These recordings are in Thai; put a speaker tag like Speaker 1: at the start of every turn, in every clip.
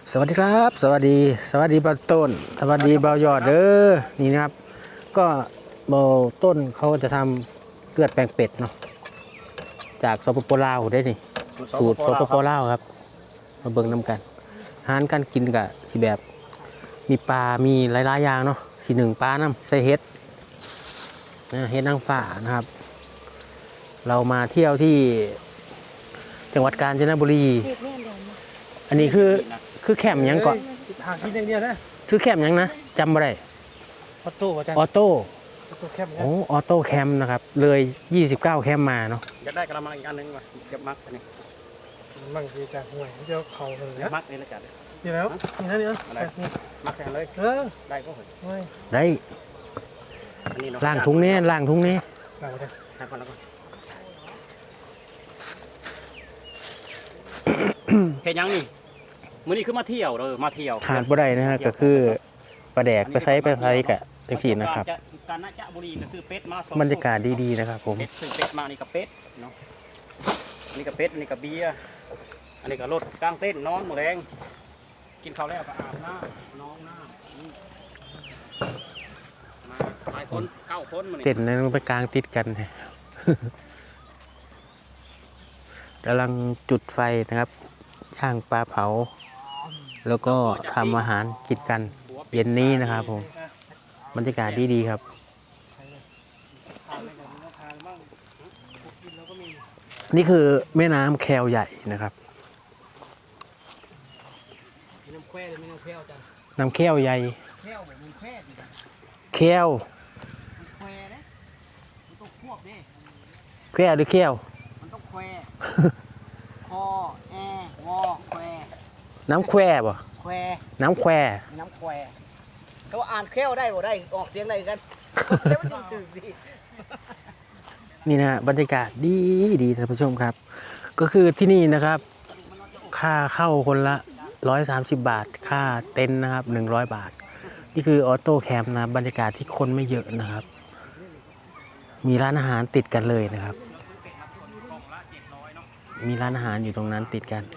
Speaker 1: สวัสดีครับสวัสดีเบาต้นสวัสดีเบายอดเด้อนี่นะครับก็เบาต้นเขาจะทำเกลือแปลงเป็ดเนาะจากสปปลาวได้นี่สูตรสปปลาวครับมาเบิ่งน้ำกันอาหารการกินกับสิแบบมีปลามีหลายๆอย่างเนาะสีหนึ่งปลาน้ำใส่เห็ดเห็ดนางฟ้านะครับเรามาเที่ยวที่จังหวัดกาญจนบุรีอันนี้คือแคมป์ยังก่อน
Speaker 2: ทางที่อย่างเดียวนะ
Speaker 1: ซื้อแคมป์ยังนะจำไม่ได้
Speaker 2: ออโต้อาจารย์
Speaker 1: ออโต้
Speaker 2: แคมป์
Speaker 1: โอ้ออโต้แคมป์นะครับเลย29แคมป์มาเนาะ
Speaker 3: อยากได้กระมังอีกอันนึงว่ะเก็บมักอันนี้
Speaker 2: มั่งดีจากห่วยเดี๋ยวเขาเลย
Speaker 3: มักนี่นะจัด
Speaker 2: นี่แล้วนี่นะ
Speaker 3: มักแทนเลยได้ก็เหรอ
Speaker 1: ได้
Speaker 3: อันนี้เนาะ
Speaker 1: ล่างทุงนี้ล่างทุงนี้
Speaker 3: ให้ก่อนแล้วก็เห็นยังนี่มื้อนี้คือมาเที่ยวมาเที่ยว
Speaker 1: ขาดบ่ได้นะฮะก็คือปลาแดกไปไซส์กะจังซี่นะครับ
Speaker 3: การนะจะบุรีก็ซื้อเป็ดมา
Speaker 1: บรรยากาศดีๆนะครับผม
Speaker 3: เป็ดซื้อเป็ดมานี่กับเป็ดเนาะนี่กับเป็ดนี่กับเบียร์อันนี้กับรถกลางเต้นนอนหมดแรงกินข้าวแล้วก็อาบน้ำน้องน้ำมาหลายคน9 คน
Speaker 1: เต้นนั้นไปกลางติดกันกำลังจุดไฟนะครับย่างปลาเผาแล้วก็ทำอาหารกินกันเย็นนี้นะครับผมบรรยากาศดีๆครับนี่คือแม่น้ำแควใหญ่นะครับน้ำแควใหญ่แควแควหรือแคว
Speaker 3: มันต้องแควคอแอวอแคว
Speaker 1: น้ำแควบ่
Speaker 3: แคว
Speaker 1: น้ำแคว
Speaker 3: เขาอ่านแควได้บ่ได้ออกเสียงได้กันแล้วมันจืดดี
Speaker 1: นี่นะบรรยากาศดีท่านผู้ชมครับก็คือที่นี่นะครับค่าเข้าคนละ130 บาทค่าเต็นท์นะครับ100 บาทนี่คือออโต้แคมป์นะบรรยากาศที่คนไม่เยอะนะครับมีร้านอาหารติดกันเลยนะครับมีร้านอาหารอยู่ตรงนั้นติดกัน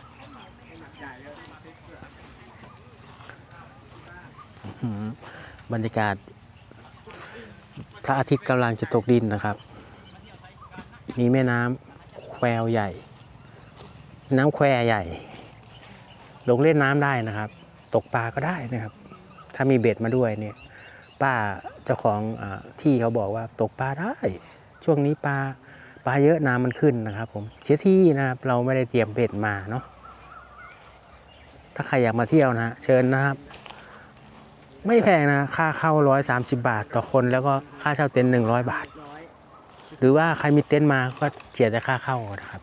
Speaker 1: บรรยากาศพระอาทิตย์กำลังจะตกดินนะครับมีแม่น้ำแควใหญ่น้ำแควใหญ่ลงเล่นน้ำได้นะครับตกปลาก็ได้นะครับถ้ามีเบ็ดมาด้วยเนี่ยป้าเจ้าของที่เขาบอกว่าตกปลาได้ช่วงนี้ปลาเยอะน้ำมันขึ้นนะครับผมเสียที่นะครับเราไม่ได้เตรียมเบ็ดมาเนาะถ้าใครอยากมาเที่ยวนะเชิญนะครับไม่แพงนะค่าเข้า130 บาทต่อคนแล้วก็ค่าเช่าเต็นท์100 บาทหรือว่าใครมีเต็นท์มาก็เสียแต่ค่าเข้านะครับ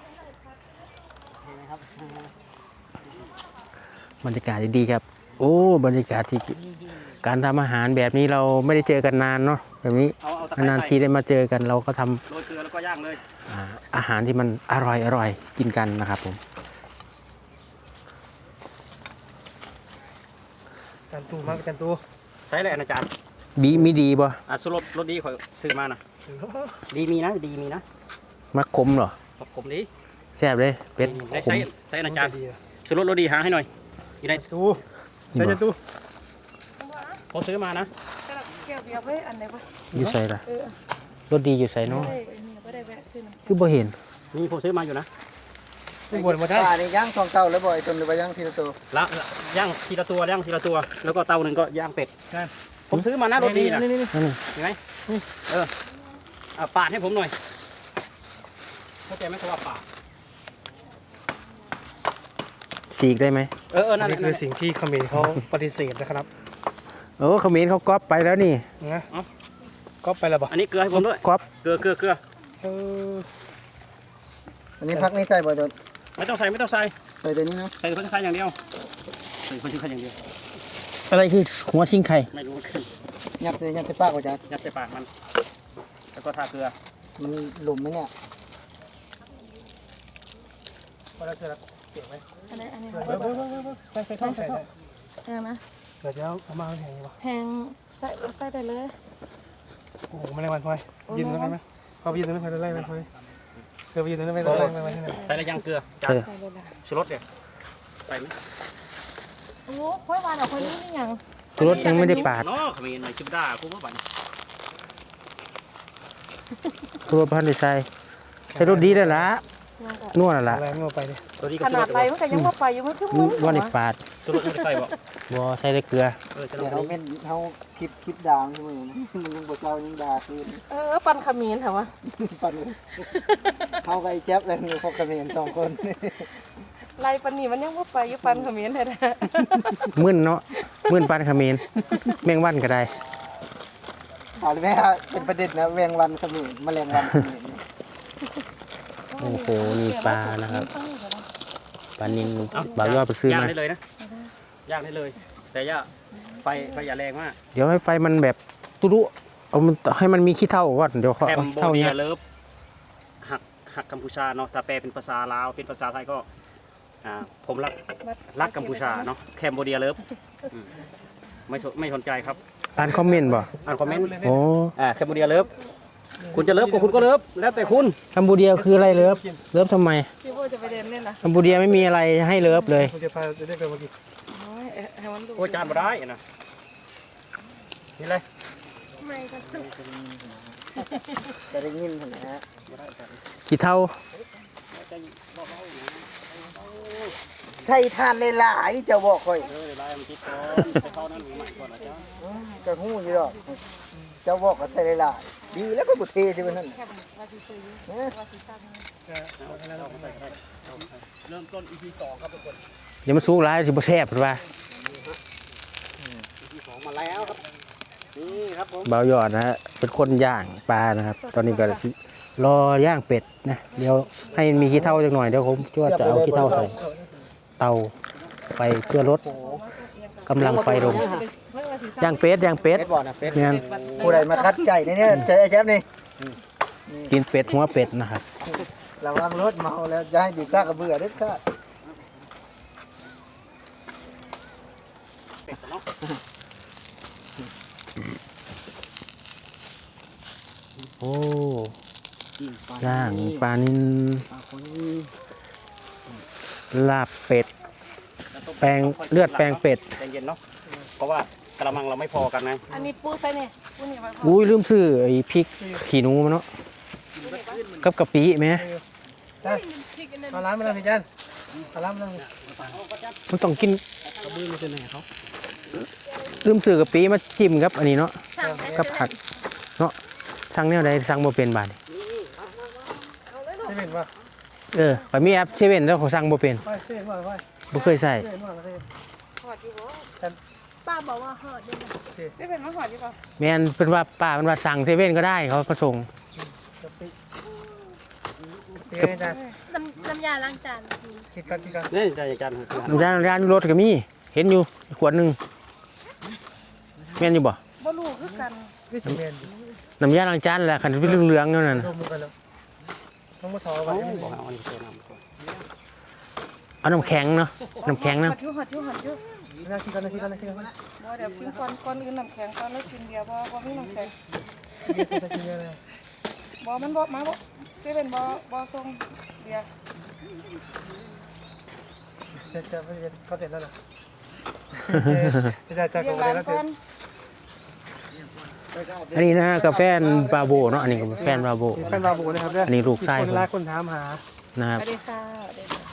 Speaker 1: บรรยากาศดีๆครับโอ้บรรยากาศที่การทำอาหารแบบนี้เราไม่ได้เจอกันนานเนาะแบบนี้นานทีได้มาเจอกันเราก็ทำ
Speaker 3: โรยเกลือแล้วก็ย่างเลย
Speaker 1: อาหารที่มันอร่อยกินกันนะครับผม
Speaker 2: จันตูมากจันตู
Speaker 3: ใช้เลยอาจารย์
Speaker 1: บีมีดีป่ะ
Speaker 3: สุรสดีขอซื้อมานะดีมีนะ
Speaker 1: มักคมเหรอ
Speaker 3: มักคมดี
Speaker 1: แซ่บเลยเป็ด
Speaker 3: ใช้อาจารย์สุรสดีหาให้หน่อยอยู่ใน
Speaker 2: ตูใช้จันตู
Speaker 3: ผมซื้อมานะ
Speaker 1: อยู่ใส่ละรสดีอยู่ใส่เนาะคือบ่เห็น
Speaker 3: นี่ผมซื้อมาอยู่นะ
Speaker 2: ไม่บ่นมาได้
Speaker 4: นี่ย่าง2 เตาแล้วบ่ไอ้ต้นหรือว่าย่างทีละตัว
Speaker 3: ละย่างทีละตัวแล้วก็เตาหนึ่งก็ย่างเป็ดผมซื้อมานะรสดีนะ
Speaker 2: นี่
Speaker 3: เห็นไหมปาดให้ผมหน่อยเข้าใจไหมคำว่าปาด
Speaker 1: สีกได้ไหม
Speaker 2: นั่นคือสิ่งที่เขมรเขาปฏิเสธนะครับ
Speaker 1: เขมรเขาก๊อปไปแล้วนี่
Speaker 2: นะก๊อปไปแล้วบ่
Speaker 3: อันนี้เกลือให้ผมด้วย
Speaker 1: ก๊อป
Speaker 3: เกลือ
Speaker 4: อันนี้พักนี่ใส่บ่ต้น
Speaker 3: ไม่ต้องใส่
Speaker 4: ใส่ตัวนี้เนาะ
Speaker 3: ใส่คนชิ้นไข่อย่างเดียว
Speaker 1: อะไรคือหัวชิงไข่
Speaker 3: ไม่รู้
Speaker 4: ยัดใส่ปากว่าจ้ะ
Speaker 3: ยัดใส่ปากมันแล้วก็ทาเกลือ
Speaker 4: มันหลุมไหมเนี่ย
Speaker 2: พอแล้วเสร็จแล้วเก็บไว้
Speaker 5: อันนี้
Speaker 2: ใส่
Speaker 5: นะ
Speaker 2: เสร็จแล้วเอามาแพงป่ะ
Speaker 5: แพงใส่ได้เลย
Speaker 2: โอ้แมลงวันพลอยยืนตรงนั้นไหมพอยืนตรงนั้นพลอยไล่มันพลอยเธอไปยืนตรงนั้นไปไล่มัน
Speaker 3: ใส่อะไรย่างเกลือชูรสเดี๋ยวใส่ไหม
Speaker 5: โอ้ค่อยวานเอาคนนี้นี่ยัง
Speaker 1: ชูรสยังไม่ได้ปาด
Speaker 3: เนาะเขมรหน่อยชิบด่ากูว่าบัด
Speaker 1: ชูรสพันธุ์ใส่ใส่รสดีแล้วล่ะนัวแล้วล่ะ
Speaker 2: อะไรงัวไปดิ
Speaker 3: ตัวนี้ก็
Speaker 5: ขนาดไปมันก็ยังว่าไปอยู่มันคือมึง
Speaker 1: ว่าได้ปาด
Speaker 3: ตัวรถไม่ได้ใส่บ่
Speaker 1: บ่ใส่ได้เกลือ
Speaker 3: จะ
Speaker 4: เดี๋ยว
Speaker 3: ล
Speaker 4: เขา
Speaker 3: อง
Speaker 4: เป็นเขาคลิปด่างใช่ไหมนะมันยังบ่เจ้ายังด่าคือ
Speaker 5: ปันขมิ้นเหรอวะ
Speaker 4: ปันเขากับไอ้แจ๊บเลยมีพวกกระเมียน2 คน
Speaker 5: ไรปันนี่มันยังว่าไปอยู่ปันขมิ้นแท้
Speaker 1: มึนเนาะมึนปานเขมรแมงวันก็ได้
Speaker 4: เอาเลยไหมฮะเป็นประเด็นนะแมงวันเขมิ้นแมลงวันเขมิ้น
Speaker 5: ๆ
Speaker 1: โอ้โหนี่ปลานะครับปลานิลบ่าวยอดไปซื้อ
Speaker 3: ย่าง
Speaker 1: มา
Speaker 3: ได้เลยนะย่างได้เลย แต่อย่าไฟอย่าแรงมาก
Speaker 1: เดี๋ยวให้ไฟมันแบบตุรุเอามันให้มันมีขี้เถ้าก่อนเดี๋ยวเขา
Speaker 3: แคม
Speaker 1: เอา
Speaker 3: โบ
Speaker 1: เท่า
Speaker 3: เดี
Speaker 1: นี้
Speaker 3: ยเลิฟหักกัมพูชาเนาะถ้าแปลเป็นภาษาลาวเป็นภาษาไทยก็ผมรักกัมพูชาเนาะแคมโบเดียเลิฟไม่สนใจครับ
Speaker 1: อ่านคอมเมนต์บ่
Speaker 3: อ่านคอมเมนต์
Speaker 1: โอ้
Speaker 3: แคมโบเดียเลิฟคุณจะเลิฟก็คุณก็เลิฟแล้วแต่คุณ
Speaker 1: คัมบูเดียคืออะไรเลิฟเลิฟทำไม
Speaker 5: พี่โบจะไปเดินเล่นนะ
Speaker 1: คัมบูเดียไม่มีอะไรให้เลิฟเลย
Speaker 2: กูจะพาจะได้กันเมื่อกี้
Speaker 5: ให้มันดู
Speaker 3: โอ้ยจานมาได้นะนี่เลย
Speaker 5: ไม่ก็สุด
Speaker 4: จะได้ยินนะฮะ
Speaker 1: ขี้เถ้า
Speaker 4: ใส่ทานหลายๆเจ้าบอกค่อย
Speaker 3: ไล่มันคิดก่อนไปเข้านั่นใหม่ก่อนนะจ๊ะ
Speaker 4: จะหู้อยู่ดอกเจ้าบอกก็ใส่หลายๆดีแล้วก็บุเทใช่ไหมนั่น
Speaker 5: แค่ว่าสิซื้อ
Speaker 4: นะ
Speaker 5: ว่าสิตั้ง
Speaker 3: เริ่มต้น EP 2ครับทุกคน
Speaker 1: เดี๋ยวมันสุกหลายสิบ่แซ่บหรือว่า
Speaker 3: EP 2มาแล้วครับนี่ครับผม
Speaker 1: บ่าวยอดนะฮะเป็นคนย่างปลานะครับ ตอนนี้ก็สิรอย่างเป็ดนะเดี๋ยวให้มันมีขี้เถ้าจักหน่อยเดี๋ยวผมจะเอาขี้เถ้าใส่เตาไฟเพื่อลดกำลังไฟลงย่างเป็ดย่างเป็ด
Speaker 3: เป็ดบอลนะเป็ด
Speaker 1: เนี่ย
Speaker 4: ผู้ใดมาคัดใจเนี่ยเจอไอ้แจ๊บนี่
Speaker 1: กินเป็ดหัวเป็ดนะครับ
Speaker 4: ระวังรถเมาแล้วจะให้อยู่ซากกระเบือเด็ดขาด
Speaker 3: เป็ดเนาะ
Speaker 1: โอ้ย่างปลานิลลาบเป็ดแปลงเลือดแปลงเป็ด
Speaker 3: ใจเย็นเนาะเพราะว่ากระมังเราไม่พอกันนะ
Speaker 5: อันนี้ปูใส่เนี่ยปูนี่ไว้พอ
Speaker 1: อุ้ยลืมซื้อไอ้พริกขี้หนูมาเนาะกับกะปิไหม
Speaker 2: เอาร้านมาแล้วพี่จันเอาร้านมาแล้ว
Speaker 1: มันต้องกิน
Speaker 3: กระบื้อไม่ใช่ไหนเขา
Speaker 1: ลืมซื้อกะปิมาจิ้มครับอันนี้เนาะกับผักเนาะสั่งแนวใดสั่งบ่เป็นบาดนี้
Speaker 2: ใช่เป็นป่ะ
Speaker 1: ข่อยมีแอปเซเว่นแล้วเขาสั่งบ่เป็น
Speaker 2: ไปเส้นว่าไป
Speaker 1: บ่เคยใส่
Speaker 2: เส้นว่าไป
Speaker 5: หอดอยู่บ่ป้าบอกว่าหอดอยู่ใช่เป็นว่าหอดอยู่ป่ะ
Speaker 1: แม่นเป็นว่าป้าเป็นว่าสั่งเซเว่นก็ได้เขาก็ส่ง
Speaker 2: เตี้ยจัน
Speaker 5: น้ำยาล้างจาน
Speaker 2: คิดกัน
Speaker 3: เนี่ยใจจันทร์คือ
Speaker 1: น้ำยาร้านรถก็มีเห็นอยู่ขวดหนึงแม่นอยู่บ่
Speaker 5: บ่รู้คือกัน
Speaker 2: นี่สิเมน
Speaker 1: น้ำยาล้างจานแหละคันเป็นเหลืองๆนั่นน่ะ
Speaker 2: รวมกันแล้วต้องมาถอด
Speaker 3: เขา
Speaker 2: ไว้
Speaker 3: บอกเอาอันนี้เติมน้ำก่อน
Speaker 1: เอาน้ำแข็งเนาะน้ำแข็ง
Speaker 5: ห
Speaker 1: นะ
Speaker 5: อดอยู่หอดอยู่หอดอยู่
Speaker 2: น่าคิดกัน
Speaker 5: บ่เดี๋ยวกินก่อนอื่นน้ำแข็งก่อนแล้วกินเบียร์บ่มีน้ำแข็ง
Speaker 2: เบียร์จะกินเยอะเลย
Speaker 5: บ่มันบ่มาบ่ใช่เป็นบ่ส่งเบียร์
Speaker 2: จะเขาเสร็จแล้วเหรอจะ
Speaker 5: เบีย
Speaker 2: กู
Speaker 5: ร์
Speaker 2: ได้
Speaker 5: ร้าน
Speaker 2: แล้ว
Speaker 5: ก่อน
Speaker 1: อันนี้นะกาแฟบาโบเนาะอันนี้กาแฟบาโบ
Speaker 2: แฟนเราบุกนะครับเนี่ย
Speaker 1: อันนี้ลูกไส้
Speaker 2: ค
Speaker 1: ผ
Speaker 2: น
Speaker 1: ม
Speaker 2: รักคนถามหา
Speaker 1: นะครับ
Speaker 5: สวัสดีค่ะสวัสดีค่ะ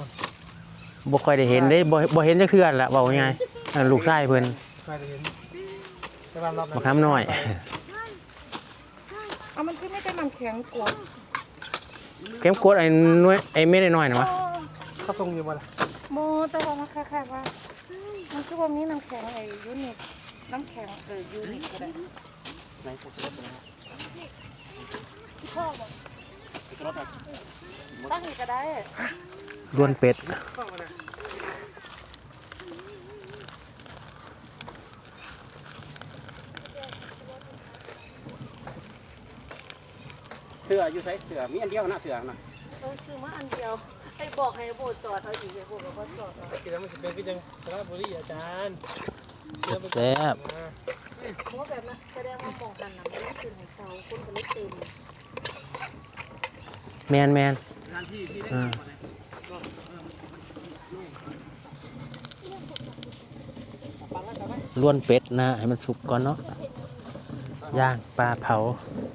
Speaker 1: บ่ค่อยได้เห็นได้บ่เห็นจักเทื่อละเว้าง่ายๆอันลูกไส้เพิ่น
Speaker 2: มาเห็นจะรอบ
Speaker 1: บักคำน้อย
Speaker 5: เอามันคือไม่ได้น้ำแข็งกวด
Speaker 1: เข็มกดไอ้น้อยไอ้เม็ดน้อยๆนะวะ
Speaker 2: เขาทรงอยู่บ่ล่ะ
Speaker 5: โมแต่ว่ามันคล้ายๆว่ามันคือว่ามีน้ำแข็งไอ้ยูนิคน้ำแข็งยูนิคก็ได้
Speaker 3: ไหนผมจะลดเลยนะ
Speaker 5: ชอบอ่ะ
Speaker 3: จะลดอ่ะ
Speaker 5: ตั้งอีกก็ได้
Speaker 1: ด้วนเป็ด
Speaker 3: เสื้ออยู่ใส่เสื้อมีอันเดียวนะเสื้อนะ
Speaker 5: ซื้อมาอันเดียวไอ้บอกให้โบจอดเอาอีกไอ้โบบอกว่าจอดเอา
Speaker 2: กินแล้วมันจะเป็นพี่จังสระบุรีอาจารย์
Speaker 1: แซ่บ
Speaker 5: เพราะแบบนั้นแสดงว่ามองกันนะไม่ได้ตื่นให้เช้าคนก็เลยตื่น
Speaker 1: แมนล้วนเป็ดนะให้มันสุกก่อนเนาะย่างปลาเผา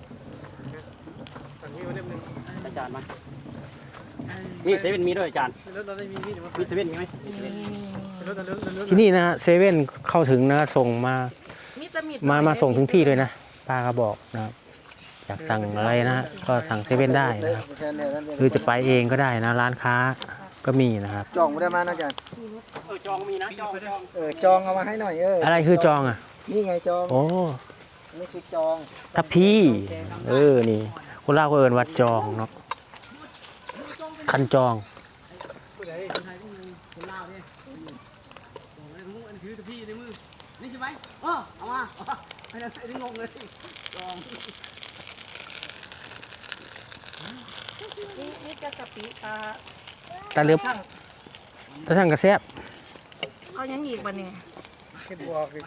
Speaker 2: สั่งนี่มาเล่มหนึง
Speaker 3: อาจารย์มานี่เซเว่นมีด้วยอาจารย์
Speaker 2: รถเราได้มีนี่เดี๋ยวมา
Speaker 3: มีเซเว่นมีไหม
Speaker 2: รถรถ
Speaker 1: ที่นี่นะฮะเซเว่นเข้าถึงนะส่งมา
Speaker 5: มีจะมี
Speaker 1: มาส่งถึงที่เลยนะป้าก็บอกนะครับอยากสั่งอะไรนะฮะก็สั่งเซเว่นได้นะครับหรือจะไปเองก็ได้นะร้านค้าก็มีนะครับ
Speaker 4: จองไม่ได้มานะอาจารย์
Speaker 3: จองมีนะจอง
Speaker 4: จองเอามาให้หน่อย
Speaker 1: อะไรคือจองอ่ะ
Speaker 4: นี่ไงจอง
Speaker 1: โอ้
Speaker 4: นี่คือจอง
Speaker 1: ทับพี่นี่คนเล่าวก็เอินวัดจองเนาะคันจอง
Speaker 3: นี่ใช่ไหมเอามาไม่ได้งงเลยจอง
Speaker 5: นี่จะกะปิปลา
Speaker 1: ตาเลือบตาช่างกระแซบ
Speaker 5: เอายังอีกบ่เนี่ย
Speaker 2: เก็บบอกอีก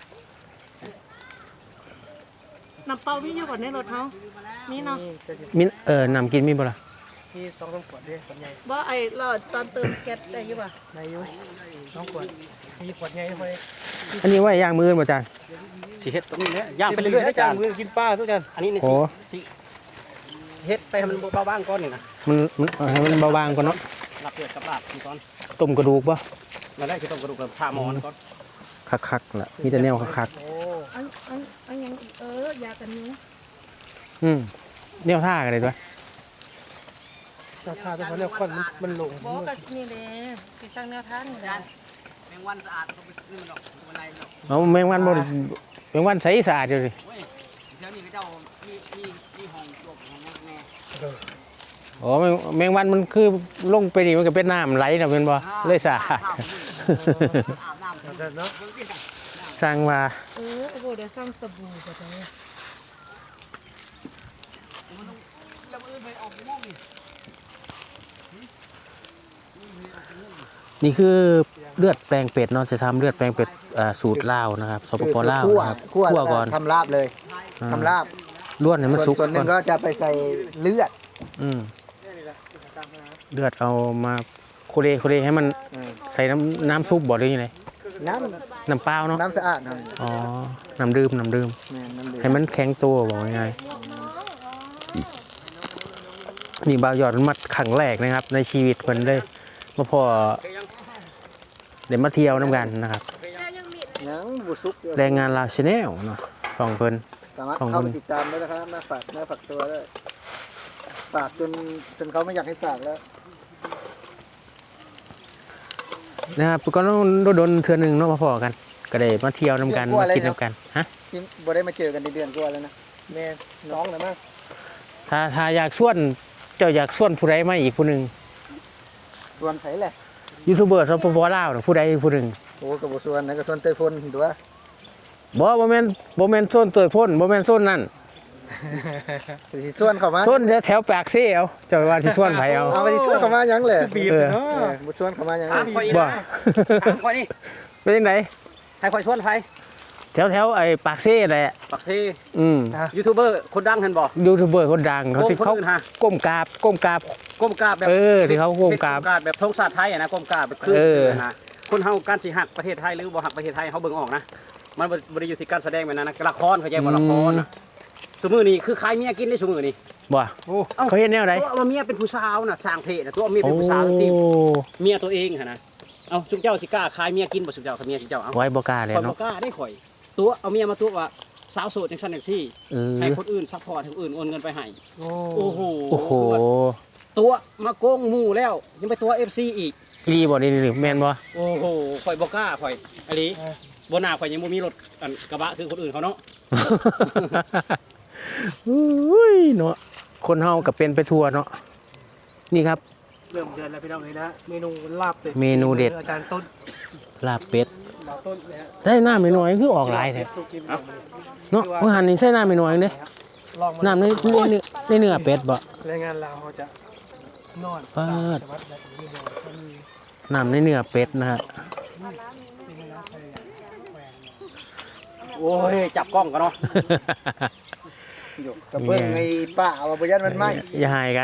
Speaker 5: น้ำเปล่ามีอยู่ก่อนในรถเฮานี่เนาะ
Speaker 2: นี่จะสิ
Speaker 1: มินำกินมีบ่ล่ะ
Speaker 2: มี2-3ขวดเด้ขวดใหญ่
Speaker 5: บ่ไอ้เราตอนเติมแก๊สได้อยู่ป่ะ
Speaker 2: ในอยู่2ขวด4ขวดใหญ่ไป
Speaker 1: อันนี้ไว้ย่างมือบ่จาน
Speaker 3: สีเฮ็ดตรงนี้เนี่ยย่างไปเรื่อยๆอาจารย์
Speaker 2: มือกินปลาทุกท่าน
Speaker 3: อันนี้ใน
Speaker 1: โอ้
Speaker 3: สีเฮ็ดไปให้มันเบาบ้างก่อนนี่นะ
Speaker 1: ให้มันเบาบางก่อนเนาะ
Speaker 3: หลับเลือดกับลาบก่อน
Speaker 1: ต้มกระดูกบ่
Speaker 3: มาได้คือต้องกระดูกกับชาหมอนก่อน
Speaker 1: คักๆล่ะมีแต่แนวคัก
Speaker 2: โอ้
Speaker 5: อันยังอีกยากันยุง
Speaker 1: ๆแนวท่ากันเลยด้วย
Speaker 2: ราคาเป็นเพราะแนวควันมันลง
Speaker 5: บ่ก็นี่แหละสิตั้งแนวทางนี่แหละ
Speaker 3: แมงวันสะอาดก็ไปซื้อมันดอกมันไรดอก
Speaker 1: เอาแมงวันบ่แมงวันใสสะอาดอยู่ดิ
Speaker 3: เว้ยแถวนี้ก็เจ้ามีห้องจบห้องแม่
Speaker 1: อ๋อแมงวันมันคือลงไปนี่มันก็เป็นน้ำไหลน่ะเป็นบ่เลยสะอาด
Speaker 3: อาบน้ำ
Speaker 2: อาจารย์เนาะ
Speaker 1: สร้างว่า
Speaker 5: โอ้โหเดี๋ยวสร้างสบู่ก็ได้
Speaker 1: นี่คือเลือดแปลงเป็ดเนาะจะทำเลือดแปลงเป็ดสูตรลาวนะครับสปปลาวนะครับ
Speaker 4: คั่ว
Speaker 1: คั่วก่อน
Speaker 4: ทำลาบเลยทำลาบ
Speaker 1: ล้วนให้มันสุก
Speaker 4: ส่วนห
Speaker 1: ก่
Speaker 4: นึ่
Speaker 1: อน
Speaker 4: งก็จะไปใส่เลือด
Speaker 1: อืมเลือดเอามาโคเลให้มันใส่น้ำซุปบ่หรือยังไง
Speaker 4: น้
Speaker 1: น้ำเปล่าเนาะ
Speaker 4: ำน้ำสะอาดหน่อย
Speaker 1: อ๋อน้ำดื่ม
Speaker 4: แม่น้ำเดือด
Speaker 1: ให้มันแข็งตัวบอกง่ายๆนี่บ่าวยอดมันมัดขังแรกนะครับ ในชีวิตเพิ่นได้มาพอเดี๋ยวมาเที่ยวน้ำกันนะครับ
Speaker 4: ยังบุซุกเดียว
Speaker 1: แรงงานลาวชาแนลเนาะฟังเพิ่น
Speaker 4: สามารถ
Speaker 1: ของ
Speaker 4: เข้า
Speaker 1: คุ
Speaker 4: ไป
Speaker 1: ณ
Speaker 4: ติดตามได้นะครับหน้าฝากตัวด้วยฝากจนเขาไม่อยากให้ฝากแล้ว
Speaker 1: นะครับก็ต้องโดนเทื่อหนึงเนาะมาพอกัน ก็ได้มาเที่ยวน้ำกันมากินน้ำกันฮะ
Speaker 4: ที่บ่ได้มาเจอกันในเดือนกว่าแล้วนะแม่น้องนะมั้ง
Speaker 1: ถ้าอยากส่วนเจ้าอยากส่วนผู้ใดมาอีกผู้หนึง
Speaker 4: ส่วนไผแหละ
Speaker 1: ยูทูบเบอร์สปปลาวน่ะผู้ใดผู้หนึง
Speaker 4: โอ้กับบุส่วนนะกับส่วนเตยพลตัว
Speaker 1: บ่แม่นโซนเตยพ่นบ่แม่นโซนนั่น
Speaker 4: สิส่วนเข้ามา
Speaker 1: โซนแถวปากเซ่เอาเจ้าว่าสิส่วนไผเอา
Speaker 4: เอาไปสิส่วนเข้ามายังเลย
Speaker 2: บีบเนาะ
Speaker 4: บุส่วนเข้ามายัง
Speaker 3: ถามคอย
Speaker 1: บ่
Speaker 3: ถามคอยนี่
Speaker 1: เป็นจังได
Speaker 3: ให้คอยชวนไฟ
Speaker 1: แถวไอ้ปากเซ่แหละ
Speaker 3: ปักซี
Speaker 1: ยู
Speaker 3: ยูทูบเบอร์คนดังเห็นบอก
Speaker 1: ยูทูบเบอร์คนดังเขาที่เขา
Speaker 3: คนอื่นฮะ
Speaker 1: ก้มกราบ
Speaker 3: ก้มกราบแบบ
Speaker 1: ที่เขาก้มกราบ
Speaker 3: แบบธงชาติไทยอะนะก้มกราบแบบคือ
Speaker 1: เออ
Speaker 3: นะคนเฮาการสิหักประเทศไทยหรือบ่หักประเทศไทยเฮาเบิ่งออกนะมันบ่ได้อยู่ที่การแสดงแบบนั้นนะละครเขาใจบ่ละครน่ะสมือนี้คือขายเมียกินได้สมือนี้
Speaker 1: บ่
Speaker 2: โอ้
Speaker 1: เขาเห็นแนวไหน
Speaker 3: ตัวเอาเมียเป็นผู้สาวน่ะสร้างเพศน่ะตัวเอาเมีย
Speaker 1: โอ้
Speaker 3: เป็นผู้สาวที่เมียตัวเองหั่นนะเอาสุเจ้าสิกล้าขายเมียกินบ่สุเจ้ากับเมียสุเจ้าเอา
Speaker 1: ไว้บ่กล้าเลย
Speaker 3: ข่อยบ่
Speaker 1: เนาะ
Speaker 3: กล้าได้ข่อย ตัวเอาเมียมาตัวว่าสาวโสดจังซั่นจังซี่
Speaker 1: เออ
Speaker 3: ให้คนอื่นซัพพอร์ตให้คนอื่นโอนเงินไปให้
Speaker 2: โอ้
Speaker 3: โอ้โห
Speaker 1: โอ้โห
Speaker 3: ตัวมาโกงหมู่แล้วยังไปตัว FC อีก
Speaker 1: อีบ่นี่แม่นบ่
Speaker 3: โอ้โหข่อยบ่กล้าข่อยอันนี้บ่น่าข่อยยังบ่มีรถอันกระบะคือคนอื่นเขาเนาะ
Speaker 1: อุ้ยเนาะคนเฮาก็เป็นไปทั่วเนาะนี่ครับ
Speaker 2: เริ่มเดือนแล้วพี่น้องเลยนะเมนูลาบเป็ด
Speaker 1: เมนูเด็ด
Speaker 2: อาจารย์ต้น
Speaker 1: ลาบเป็ด
Speaker 2: ดาวต้นนะฮะ
Speaker 1: ได้น้ำน้อยๆคือออกหลายแท้
Speaker 2: สุกิม
Speaker 1: เนาะว่าหันนี่ใช่น้ำน้อยๆเด้
Speaker 2: ลองมา
Speaker 1: น้ำในเนื้อเป็ดบ่
Speaker 2: แรงงานลาวเขาจะนอน
Speaker 1: ปาด
Speaker 2: จังหวัดแบบนี้เลยก็มี
Speaker 1: น้ำในเนื้อเป็ดนะฮะ
Speaker 3: โอ้ยจับกล้องกันเนาะ
Speaker 4: อยู่กับเบิ่งไอ้ป้าว่าบ่ยันมันไหม
Speaker 1: อย่าหายกัน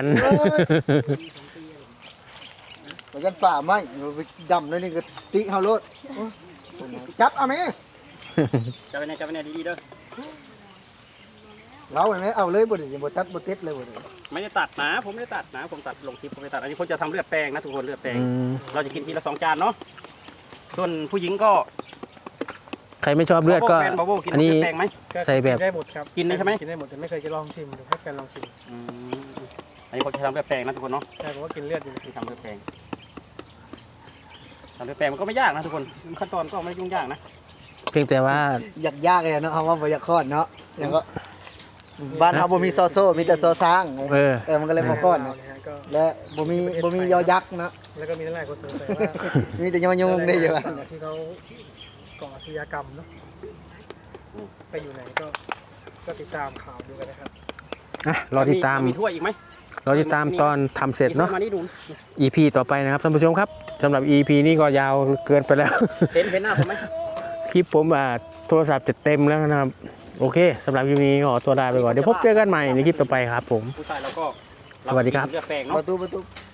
Speaker 4: บ่ยันป้าไหมไปดำเลยนี่ก็ติเฮาโลดจับเอาแม่
Speaker 3: จับไปเนี่ยดีๆเด้อ
Speaker 4: เราเห็นไหมเอาเลยบ่ได้บ่ตัดบ่ติดเลยบ่ได้
Speaker 3: ไม่ได้ตัดนะผมไม่ได้ตัดนะผมตัดลงคลิปผมไม่ตัดอันนี้ผมจะทำเลือดแปลงนะทุกคนเลือดแปลง
Speaker 1: อืม
Speaker 3: เราจะกินทีละ2 จานเนาะส่วนผู้หญิงก็
Speaker 1: ใครไม่ชอบเลือดก็
Speaker 3: แฟนบาโบกิน
Speaker 1: อันนี้
Speaker 3: เลือดแปลงไหม
Speaker 1: ใส่แบบ
Speaker 2: กินได้หมดครับ
Speaker 3: กินได้ใช่ไหม
Speaker 2: กินได้หมดแต่ไม่เคยจะลองชิมดูให้แฟนลองชิม
Speaker 3: อันนี้ผมจะทำเลือดแปลงนะทุกคนเนาะ
Speaker 2: ใช่ผมว่ากินเลือดอยู่
Speaker 3: ที่ทำเลือดแปลงทำเลือดแปลงมันก็ไม่ยากนะทุกคนขั้นตอนก็ไม่ยุ่งยากนะ
Speaker 1: เพียงแต่ว่า
Speaker 4: ยากเลยเนาะเอาว่าบ่อยากคลอดเนาะแล้วก็บ้านเฮาบ่มีซอโซ่มีแต่ซอช้าง มันก็เลยบ่คลอด
Speaker 2: เอา
Speaker 4: เนาะ
Speaker 2: เลยฮะก็
Speaker 4: และบ่มียอยักษ์เนาะ
Speaker 2: แล้วก็มีหลายคนสงสัยว่า
Speaker 4: มีแต่ยอยุงได้อยู่
Speaker 2: สาวที่เขาก่ออาชญากรรมเนาะไปอยู่ไหนก็ติดตามข่าวดูกันนะครับ
Speaker 1: รอติดตาม
Speaker 3: มีถ้วยอีกไหม
Speaker 1: รอติดตามตอนทำเสร็จเนาะ
Speaker 3: มีถ้วยมานี่ดู
Speaker 1: EP ต่อไปนะครับท่านผู้ชมครับสำหรับ EP นี้ก็ยาวเกินไปแล้ว
Speaker 3: เห็นหน้าผมไหม
Speaker 1: คลิปผมโทรศัพท์จะเต็มแล้วนะครับ โอเคสำหรับคลิปนี้ขอตัวลาไปก่อน เดี๋ยวพบเจอกันใหม่ในคลิปต่อไปครับผม
Speaker 3: ผู้ชายเราก็
Speaker 1: สวัสดีครับ
Speaker 3: เลือดแปลง
Speaker 4: ป
Speaker 3: เนาะ
Speaker 4: ระตู